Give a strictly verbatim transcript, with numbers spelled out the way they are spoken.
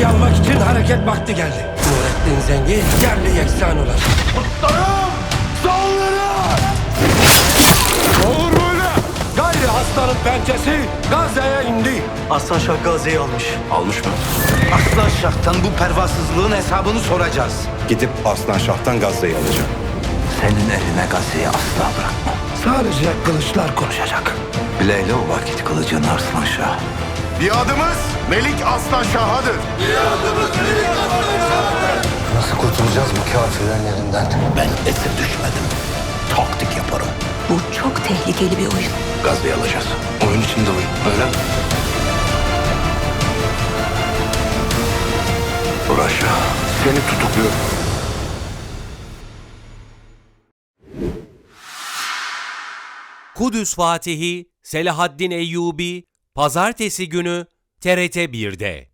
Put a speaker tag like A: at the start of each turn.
A: Gazze'yi almak için hareket vakti geldi. Nurettin Zengi yerli yeksan olacak. Kutlarım! Sağlarım! Olur böyle! Gayri hastanın pençesi Gazze'ye indi.
B: Aslan Şah Gazze'yi almış.
C: Almış mı?
D: Aslan Şah'tan bu pervasızlığın hesabını soracağız.
C: Gidip Aslan Şah'tan Gazze'yi alacağım.
D: Senin eline Gazze'yi asla bırakma.
A: Sadece kılıçlar konuşacak.
D: Bileyle o vakit kılıcını Arslan Şah.
C: Biadımız Melik Aslan Şah'adır.
B: Nasıl kurtulacağız bu kafirlerin elinden?
D: Ben esir düşmedim. Taktik yaparım.
E: Bu çok tehlikeli bir oyun.
D: Gazze'yi alacağız.
C: Oyun içinde oyun. Öyle mi?
D: Uğraş.
C: Seni tutukluyorum.
F: Kudüs Fatihi Selahaddin Eyyubi Pazartesi günü T R T bir'de.